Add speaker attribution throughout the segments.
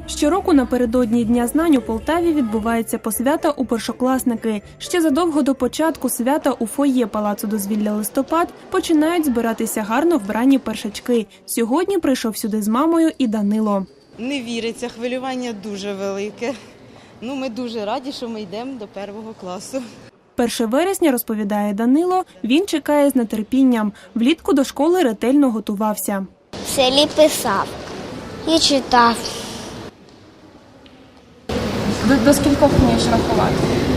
Speaker 1: Щороку напередодні Дня знань у Полтаві відбувається посвята у першокласники. Ще задовго до початку свята у фоє Палацу дозвілля «Листопад» починають збиратися гарно вбрані першачки. Сьогодні прийшов сюди з мамою і Данило.
Speaker 2: Не віриться, хвилювання дуже велике. Ми дуже раді, що ми йдемо до 1 класу.
Speaker 1: 1 вересня, розповідає Данило, він чекає з нетерпінням. Влітку до школи ретельно готувався.
Speaker 3: В селі писав і читав.
Speaker 4: До скількох вмієш рахувати?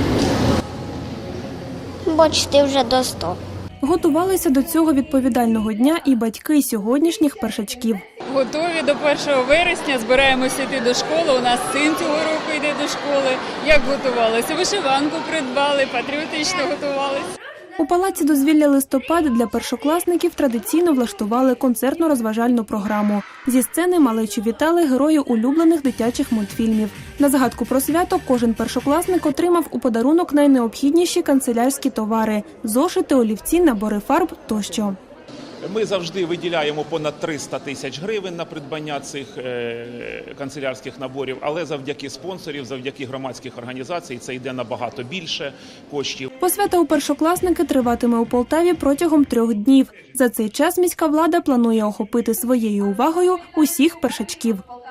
Speaker 3: Почти вже до 100.
Speaker 1: Готувалися до цього відповідального дня і батьки сьогоднішніх першачків.
Speaker 4: Готові до 1 вересня, збираємося йти до школи. У нас син цього року йде до школи. Як готувалися? Вишиванку придбали, патріотично готувалися.
Speaker 1: У Палаці дозвілля «Листопад» для першокласників традиційно влаштували концертно-розважальну програму. Зі сцени малечу вітали герої улюблених дитячих мультфільмів. На згадку про свято кожен першокласник отримав у подарунок найнеобхідніші канцелярські товари – зошити, олівці, набори фарб тощо.
Speaker 5: Ми завжди виділяємо понад 300 тисяч гривень на придбання цих канцелярських наборів, але завдяки спонсорів, завдяки громадських організацій це йде набагато більше коштів.
Speaker 1: Посвята у першокласники триватиме у Полтаві протягом 3 днів. За цей час міська влада планує охопити своєю увагою усіх першачків.